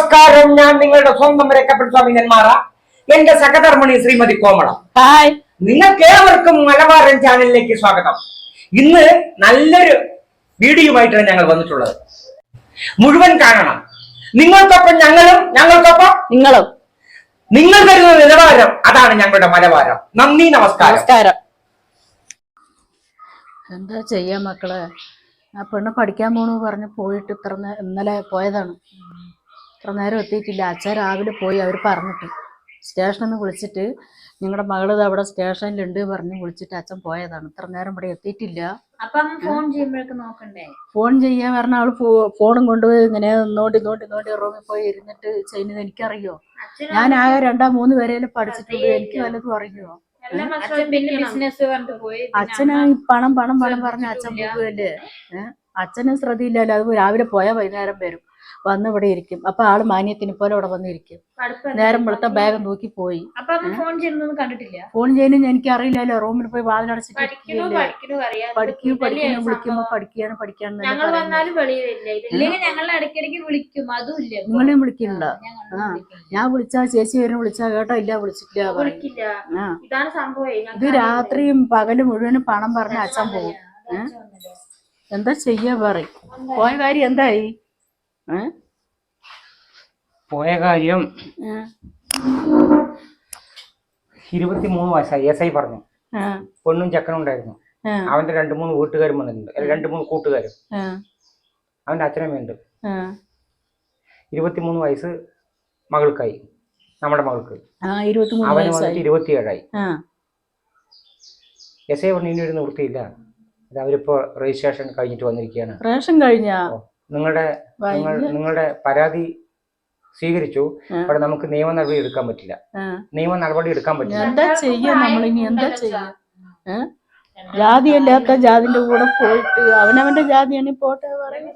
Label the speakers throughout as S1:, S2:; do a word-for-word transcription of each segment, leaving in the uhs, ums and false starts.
S1: നമസ്കാരം. ഞാൻ നിങ്ങളുടെ സ്വന്തം രക്കപ്പെട്ട നെന്മാറ. എന്റെ സഹധർമ്മിണി ശ്രീമതി കോമള.
S2: ഹായ്,
S1: നിങ്ങൾക്ക് ഏവർക്കും മലബാരൻ ചാനലിലേക്ക് സ്വാഗതം. ഇന്ന് നല്ലൊരു വീഡിയോയുമായിട്ടാണ് ഞങ്ങൾ വന്നിട്ടുള്ളത്. മുഴുവൻ കാണണം. നിങ്ങൾക്കൊപ്പം ഞങ്ങളും, ഞങ്ങൾക്കൊപ്പം
S2: നിങ്ങളും.
S1: നിങ്ങൾ തരുന്ന നിലവാരം അതാണ് ഞങ്ങളുടെ മലബാരം. നന്ദി, നമസ്കാരം.
S2: നമസ്കാരം. എന്താ ചെയ്യാ മക്കളെ, ആ പെണ്ണ് പഠിക്കാൻ പോണു പറഞ്ഞ് പോയിട്ട് ഇത്ര ഇന്നലെ പോയതാണ്. ഇത്ര നേരം എത്തിയിട്ടില്ല. അച്ഛൻ രാവിലെ പോയി, അവർ പറഞ്ഞിട്ട് സ്റ്റേഷനിൽ നിന്ന് വിളിച്ചിട്ട് നിങ്ങളുടെ മകള് അവിടെ സ്റ്റേഷനിലുണ്ട് പറഞ്ഞ് വിളിച്ചിട്ട് അച്ഛൻ പോയതാണ്. ഇത്ര നേരം ഇവിടെ എത്തിയിട്ടില്ല.
S3: ഫോൺ ചെയ്യുമ്പോഴൊക്കെ നോക്കണ്ടേ?
S2: ഫോൺ ചെയ്യാൻ പറഞ്ഞ അവള് ഫോണും കൊണ്ടുപോയി ഇങ്ങനെ നോണ്ടി നോണ്ടി നോണ്ടി റൂമിൽ പോയി ഇരുന്നിട്ട് ചെയ്യുന്നത് എനിക്കറിയോ? ഞാൻ ആകെ രണ്ടാ മൂന്ന് പേരെല്ലാം പഠിച്ചിട്ടുള്ളൂ. എനിക്ക് വല്ലതും അറിയോ? അച്ഛന് പണം പണം പണം പറഞ്ഞ അച്ഛൻ പോകുമല്ലേ. ഏഹ് അച്ഛനും ശ്രദ്ധയില്ലല്ലോ. അത് രാവിലെ പോയാൽ വൈകുന്നേരം വരും, വന്ന് ഇവിടെ ഇരിക്കും. അപ്പൊ ആള് മാന്യത്തിന് പോലെ ഇവിടെ വന്നിരിക്കും. നേരം വെളുത്ത ബാഗ് നോക്കി പോയി. ഫോൺ ചെയ്യുന്ന എനിക്ക് അറിയില്ലല്ലോ. റൂമിൽ പോയി വാതിലടച്ചിട്ട് പഠിക്കൂ പഠിക്കുന്നു വിളിക്കുമ്പോ പഠിക്കാണ് പഠിക്കാന്ന് നിങ്ങളെയും വിളിക്കുന്നുണ്ടോ? ആ, ഞാൻ വിളിച്ചാ ചേച്ചി വരും വിളിച്ചാ കേട്ടോ ഇല്ല വിളിച്ചിട്ടില്ല. ആ, ഇത് രാത്രിയും പകലും മുഴുവനും പണം പറഞ്ഞ അച്ഛൻ പോകും. ഏഹ് എന്താ ചെയ്യാ പറയും? പോയ കാര്യം എന്തായി?
S1: പോയ കാര്യം ഇരുപത്തിമൂന്ന് വയസ്സായി. എസ് ഐ പറഞ്ഞു. പെണ്ണും ചെക്കനും ഉണ്ടായിരുന്നു. അവന്റെ രണ്ടു മൂന്ന് വീട്ടുകാരും വന്നിട്ടുണ്ട്, രണ്ടു മൂന്ന് കൂട്ടുകാരും. അവന്റെ അച്ഛനമ്മയുണ്ട്. ഇരുപത്തിമൂന്ന് വയസ്സ് മകൾക്കായി, നമ്മുടെ മകൾക്ക്. അവന് വന്നിട്ട് ഇരുപത്തിയേഴായി. എസ് ഐ പറഞ്ഞു ഇനി ഒരു നിവൃത്തിയില്ല, അവരിപ്പോ രജിസ്ട്രേഷൻ കഴിഞ്ഞിട്ട് വന്നിരിക്കുകയാണ്.
S2: റേഷൻ കഴിഞ്ഞാ
S1: നിങ്ങളുടെ നിങ്ങളുടെ പരാതി സ്വീകരിച്ചു. അവിടെ നമുക്ക് നിയമ നടപടി എടുക്കാൻ പറ്റില്ല. നിയമ നടപടി എടുക്കാൻ പറ്റില്ല.
S2: എന്താ ചെയ്യാ നമ്മളിനി? എന്താ ചെയ്യാ? ജാതി അല്ലാത്ത ജാതിന്റെ കൂടെ പോയിട്ട് അവനവന്റെ ജാതിയാണ് പോട്ടെ പറയും.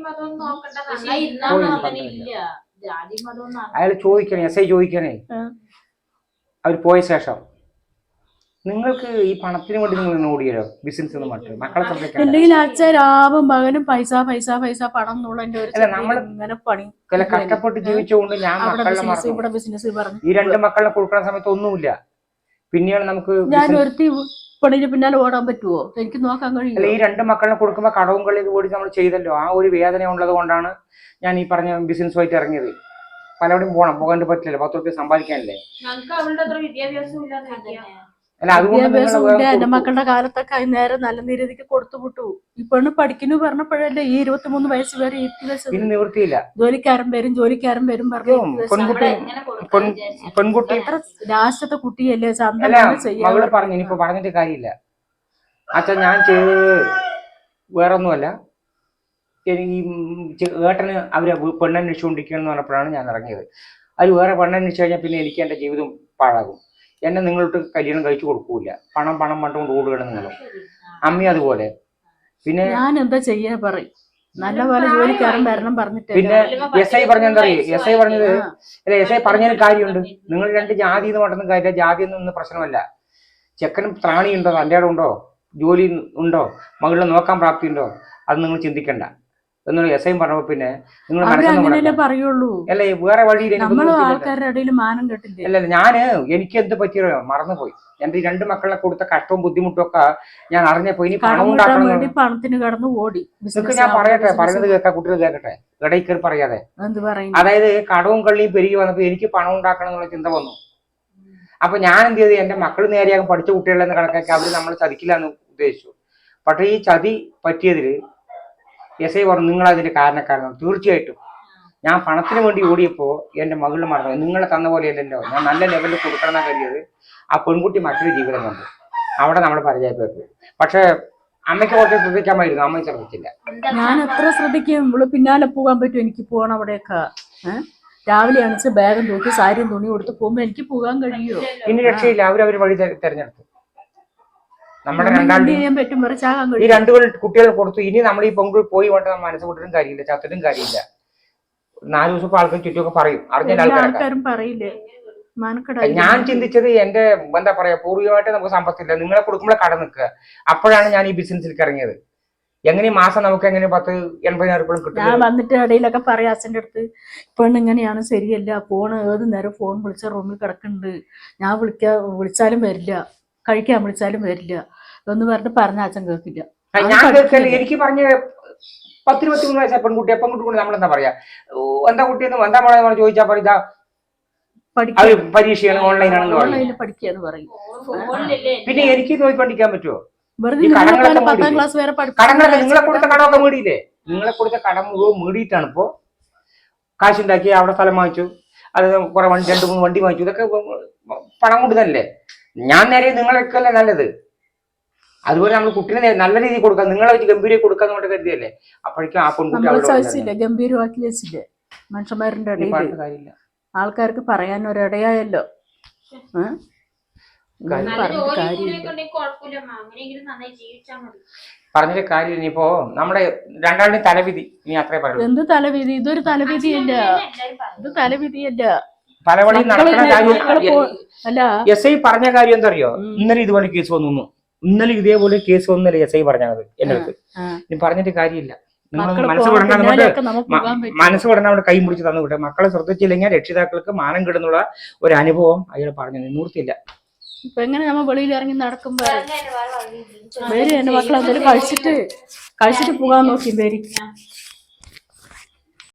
S1: അയാൾ ചോദിക്കണേ, എസ് ഐ ചോദിക്കണേ, അവർ പോയ ശേഷം നിങ്ങൾക്ക് ഈ പണത്തിന് വേണ്ടി നിങ്ങൾ ഓടിയല്ലോ ബിസിനസ് എന്ന് പറഞ്ഞിട്ട് മക്കളെ
S2: അല്ലെങ്കിൽ അച്ഛൻ രാവും പകലും പൈസ പൈസ പൈസ പണം ഇങ്ങനെ പണി
S1: കഷ്ടപ്പെട്ട് ജീവിച്ചുകൊണ്ട് ഞാൻ
S2: ഇവിടെ ബിസിനസ് പറഞ്ഞു
S1: ഈ രണ്ട് മക്കളെ കൊടുക്കുന്ന സമയത്ത് ഒന്നുമില്ല. പിന്നെയാണ് നമുക്ക്
S2: ഞാൻ ഒരുത്തി പണിന് പിന്നാലെ ഓടാൻ പറ്റുമോ? എനിക്ക് നോക്കാൻ കഴിയില്ല.
S1: ഈ രണ്ട് മക്കളെ കൊടുക്കുമ്പോൾ കടവും കളി കൂടി നമ്മൾ ചെയ്തല്ലോ. ആ ഒരു വേദന ഉള്ളത് കൊണ്ടാണ് ഞാൻ ഈ പറഞ്ഞ ബിസിനസ്സുമായിട്ട് ഇറങ്ങിയത്. പലവിടെയും പോകണം, പോകാൻ പറ്റില്ലല്ലോ, പത്ത് റുപ്യ സമ്പാദിക്കാനല്ലേ.
S2: എന്റെ മക്കളുടെ കാലത്തൊക്കെ നേരെ നല്ല രീതിക്ക് കൊടുത്തു വിട്ടു. ഈ പെണ്ണ് പഠിക്കുന്നു പറഞ്ഞപ്പോഴല്ലേ ഈ ഇരുപത്തിമൂന്ന് വയസ്സ് വരെ
S1: നിവൃത്തിയില്ല.
S2: ജോലിക്കാരൻ വരും ജോലിക്കാരൻ വരും പറഞ്ഞു.
S1: പെൺകുട്ടി
S2: ലാസ്റ്റത്തെ കുട്ടിയല്ലേ
S1: മകള് പറഞ്ഞു. ഇനിയിപ്പോ പറഞ്ഞിട്ട് കാര്യമില്ല അച്ഛൻ, ഞാൻ ചെയ്ത് വേറൊന്നുമല്ല. ഈ ഏട്ടന് അവര് പെണ്ണന്വേഷിച്ചുകൊണ്ടിരിക്കുകയെന്ന് പറഞ്ഞപ്പോഴാണ് ഞാൻ ഇറങ്ങിയത്. അത് വേറെ പെണ്ണന്വേഷിച്ചു കഴിഞ്ഞാൽ പിന്നെ എനിക്ക് എന്റെ ജീവിതം പാഴാകും. എന്നെ നിങ്ങളോട്ട് കല്യാണം കഴിച്ചു കൊടുക്കൂല. പണം പണം പണ്ടുകൊണ്ട് ഓടുകയാണ് നിങ്ങൾ. അമ്മി അതുപോലെ. പിന്നെ
S2: ഞാൻ എന്താ ചെയ്യാ പറയും? നല്ലപോലെ ജോലിക്കാരൻ വരണം പറഞ്ഞിട്ട്.
S1: പിന്നെ എസ് ഐ പറഞ്ഞ എന്താ അറിയോ? എസ് ഐ പറഞ്ഞത് അല്ലെ, എസ് ഐ പറഞ്ഞതിന് കാര്യമുണ്ട്. നിങ്ങൾ രണ്ട് ജാതി എന്ന് പറഞ്ഞ കാര്യം, ജാതി ഒന്നും പ്രശ്നമല്ല. ചെക്കനും ത്രാണിയുണ്ടോ, തൻ്റെ ഉണ്ടോ, ജോലി ഉണ്ടോ, മകളെ നോക്കാൻ പ്രാപ്തി ഉണ്ടോ, അത് നിങ്ങൾ ചിന്തിക്കണ്ട എന്നൊരു എസ് ഐ പറഞ്ഞപ്പോ പിന്നെ നിങ്ങൾ
S2: പറയുള്ളൂ.
S1: അല്ലേ വേറെ വഴി
S2: ആൾക്കാരുടെ ഇടയിൽ മാനം കെട്ടില്ല.
S1: അല്ല, ഞാന് എനിക്ക് എന്ത് പറ്റിയോ മറന്നുപോയി. എന്റെ ഈ രണ്ട് മക്കളെ കൊടുത്ത കഷ്ടവും ബുദ്ധിമുട്ടും ഒക്കെ ഞാൻ അറിഞ്ഞപ്പോ ഇനി പണം ഉണ്ടാക്കണം വേണ്ടി
S2: പണത്തിന് കടന്നു ഓടി.
S1: ഞാൻ പറയട്ടെ, പറയുന്നത് കേൾക്കാ, കുട്ടികൾ കേൾക്കട്ടെ, ഇടയിൽ കയറി പറയാതെ. അതായത് കടവും കള്ളിയും പെരുകി വന്നപ്പോ എനിക്ക് പണം ഉണ്ടാക്കണം എന്നുള്ള ചിന്ത വന്നു. അപ്പൊ ഞാൻ എന്ത് ചെയ്തു, എന്റെ മക്കൾ നേരെയാകും പഠിച്ച കുട്ടികളെന്ന് കണക്കാക്കി അവര് നമ്മളെ ചതിക്കില്ല എന്ന് ഉദ്ദേശിച്ചു. പക്ഷെ ഈ ചതി പറ്റിയതില് എസ് ഐ പറഞ്ഞു നിങ്ങൾ അതിന്റെ കാരണക്കാരാണ്. തീർച്ചയായിട്ടും ഞാൻ പണത്തിന് വേണ്ടി ഓടിയപ്പോ എന്റെ മകളിൽ മറന്നു. നിങ്ങളെ തന്ന പോലെയല്ലല്ലോ, ഞാൻ നല്ല ലെവലിൽ കൊടുക്കണം കരുതിയത്. ആ പെൺകുട്ടി മറ്റൊരു ജീവിതം കണ്ടു, അവിടെ നമ്മൾ പരിചയപ്പെട്ടു. പക്ഷെ അമ്മയ്ക്ക് കുറച്ച് ശ്രദ്ധിക്കാമായിരുന്നു, അമ്മ ശ്രദ്ധിച്ചില്ല.
S2: ഞാൻ എത്ര ശ്രദ്ധിക്കും, ഇവള് പിന്നാലെ പോകാൻ പറ്റും. എനിക്ക് പോകണം അവിടെയൊക്കെ. രാവിലെ അണിച്ച് ബാഗും തൂക്കി സാരിയും തുണി കൊടുത്ത് പോകുമ്പോ എനിക്ക് പോകാൻ കഴിയുമോ?
S1: ഇനി രക്ഷയില്ല, അവരവർ വഴി തെരഞ്ഞെടുത്തു. നമ്മുടെ രണ്ടാണ്ട് ഈ രണ്ടു കുട്ടികൾ കൊടുത്തു. ഇനി നമ്മൾ ഈ പൊങ്കൽ പോയി വേണ്ട മനസ്സ് കൊണ്ടിട്ടും കാര്യമില്ല, ചത്തിട്ടും കാര്യമില്ല. നാല് ദിവസം ആൾക്കാർ ചുറ്റുമൊക്കെ പറയും, അറിഞ്ഞ ആൾക്കാരും
S2: പറയില്ലേ.
S1: ഞാൻ ചിന്തിച്ചത് എന്റെ എന്താ പറയാ, പൂർവികമായിട്ട് നമുക്ക് സമ്പത്തില്ല, നിങ്ങളെ കൊടുക്കുമ്പോഴേ കട നിൽക്കുക. അപ്പോഴാണ് ഞാൻ ഈ ബിസിനസ്സിലേക്ക് ഇറങ്ങിയത്. എങ്ങനെ മാസം നമുക്ക് എങ്ങനെ പത്ത് എൺപതിനായിരം രൂപ കിട്ടും?
S2: ഞാൻ വന്നിട്ട് ഇടയിലൊക്കെ പറയാം അച്ഛൻ്റെ അടുത്ത്, പെണ്ണ് ഇങ്ങനെയാണ്, ശരിയല്ല, ഫോൺ ഏത് നേരം ഫോൺ വിളിച്ച റൂമിൽ കിടക്കുന്നുണ്ട്, ഞാൻ വിളിക്കാ വിളിച്ചാലും വരില്ല, കഴിക്കാൻ വിളിച്ചാലും വരില്ല എന്ന് പറഞ്ഞിട്ട് പറഞ്ഞ അച്ഛൻ കേൾക്കില്ല.
S1: ഞാൻ കേൾക്കല്ലേ, എനിക്ക് പറഞ്ഞ പത്തിരുപത്തി മൂന്ന് വയസ്സായ പെൺകുട്ടിയെ പെൺകുട്ടി കൊണ്ട് നമ്മളെന്താ പറയാ, എന്താ കുട്ടിയെന്ന് എന്താ മോളെ ചോദിച്ചാൽ പറയാ പരീക്ഷയാണ്, ഓൺലൈനാണെന്ന് പറയും,
S2: പഠിക്കാന്ന് പറയും.
S1: പിന്നെ എനിക്ക് നോക്കിക്കൊണ്ടിരിക്കാൻ പറ്റുമോ?
S2: വെറുതെ പത്താം ക്ലാസ് വരെ
S1: കടങ്ങളൊക്കെ നിങ്ങളെ കൊടുത്ത കടമൊക്കെ മേടിയില്ലേ? നിങ്ങളെ കൊടുത്ത കടം മുഴുവൻ മേടിയിട്ടാണ് ഇപ്പോ കാശുണ്ടാക്കി അവിടെ സ്ഥലം വാങ്ങിച്ചു, അത് കുറെ വണ്ടി രണ്ട് മൂന്ന് വണ്ടി വാങ്ങിച്ചു, ഇതൊക്കെ പണം കൊണ്ട് തന്നെ. ഞാൻ നേരെ നിങ്ങളൊക്കെ അല്ലേ നല്ലത്. അതുപോലെ നമ്മൾ കുട്ടീനെ നല്ല രീതിയിൽ കൊടുക്കാം, നിങ്ങളെ വെച്ച് ഗംഭീരം കൊടുക്കാന്ന് കൊണ്ട് കരുതിയല്ലേ. അപ്പോഴേക്കും ആ പെൺകുട്ടി
S2: ഗംഭീരമാക്കി വെച്ചില്ലേ മനുഷ്യന്മാരുടെ ഇടയിൽ, ആൾക്കാർക്ക് പറയാൻ ഒരിടയായല്ലോ.
S1: പറഞ്ഞൊരു കാര്യം ഇനിയിപ്പോ നമ്മുടെ രണ്ടാളുടെ തലവിധി, ഇനി അത്രേ പറയുള്ളൂ.
S2: എന്ത് തലവിധി? ഇതൊരു തലവിധിയല്ല, ഇത് തലവിധിയല്ല.
S1: പലവഴി നടക്കുന്ന കാര്യം അല്ല. എസ് ഐ പറഞ്ഞ കാര്യം എന്താ അറിയോ? ഇന്നലെ ഇതുപോലെ കേസ് വന്നു, ഇന്നലെ ഇതേപോലെ കേസ് വന്നല്ലേ എസ് ഐ പറഞ്ഞത് എന്റെ അടുത്ത്. ഇനി പറഞ്ഞിട്ട് കാര്യമില്ല, നിങ്ങൾ മനസ്സ് വിടണം, നമ്മുടെ മനസ്സ് വിടണം, അവിടെ കൈ മുടിച്ച് തന്നു വിട്ടെ. മക്കളെ ശ്രദ്ധിച്ചില്ലെങ്കിൽ രക്ഷിതാക്കൾക്ക് മാനം കിടുന്നുള്ള ഒരു അനുഭവം അയാൾ പറഞ്ഞു, നിവൃത്തിയില്ല.
S2: ഇപ്പൊ എങ്ങനെ നമ്മ വെളിയിൽ ഇറങ്ങി നടക്കുമ്പോ പേര് എന്റെ മക്കളെ എന്തെങ്കിലും കഴിച്ചിട്ട് കഴിച്ചിട്ട് പോകാൻ നോക്കി പേര്